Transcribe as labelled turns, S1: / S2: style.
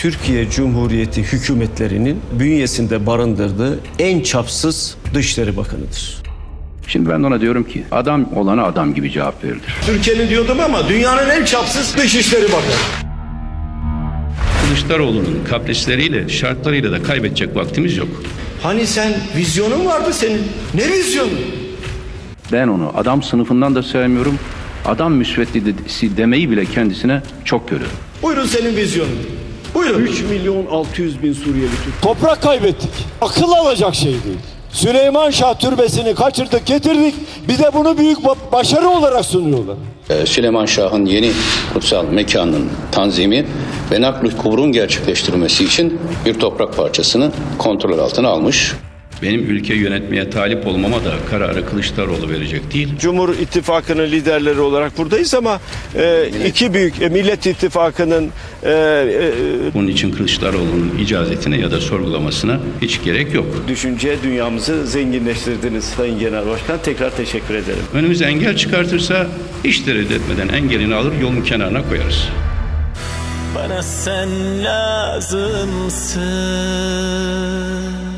S1: Türkiye Cumhuriyeti hükümetlerinin bünyesinde barındırdığı en çapsız Dışişleri Bakanı'dır.
S2: Şimdi ben ona diyorum ki adam olana adam gibi cevap verilir.
S3: Türkiye'nin diyordum ama dünyanın en çapsız Dışişleri Bakanı.
S4: Kılıçdaroğlu'nun kaprisleriyle, şartlarıyla da kaybedecek vaktimiz yok.
S3: Hani sen vizyonun vardı senin. Ne vizyonu?
S2: Ben onu adam sınıfından da sevmiyorum. Adam müsveddesi demeyi bile kendisine çok görüyorum.
S3: Buyurun senin vizyonun. Buyurun.
S1: 3.600.000 Suriyeli Türk.
S5: Toprak kaybettik. Akıl alacak şey değil. Süleyman Şah türbesini kaçırdık getirdik. Bize bunu büyük başarı olarak sunuyorlar.
S6: Süleyman Şah'ın yeni kutsal mekanının tanzimi ve nakl-ı kubrun gerçekleştirilmesi için bir toprak parçasını kontrol altına almış.
S4: Benim ülke yönetmeye talip olmama da kararı Kılıçdaroğlu verecek değil.
S1: Cumhur İttifakı'nın liderleri olarak buradayız ama iki büyük Millet İttifakı'nın
S4: Bunun için Kılıçdaroğlu'nun icazetine ya da sorgulamasına hiç gerek yok.
S1: düşünce dünyamızı zenginleştirdiniz Sayın Genel Başkan. Tekrar teşekkür ederim.
S4: Önümüze engel çıkartırsa hiç tereddüt etmeden engelini alır yolun kenarına koyarız.
S7: Bana sen lazımsın.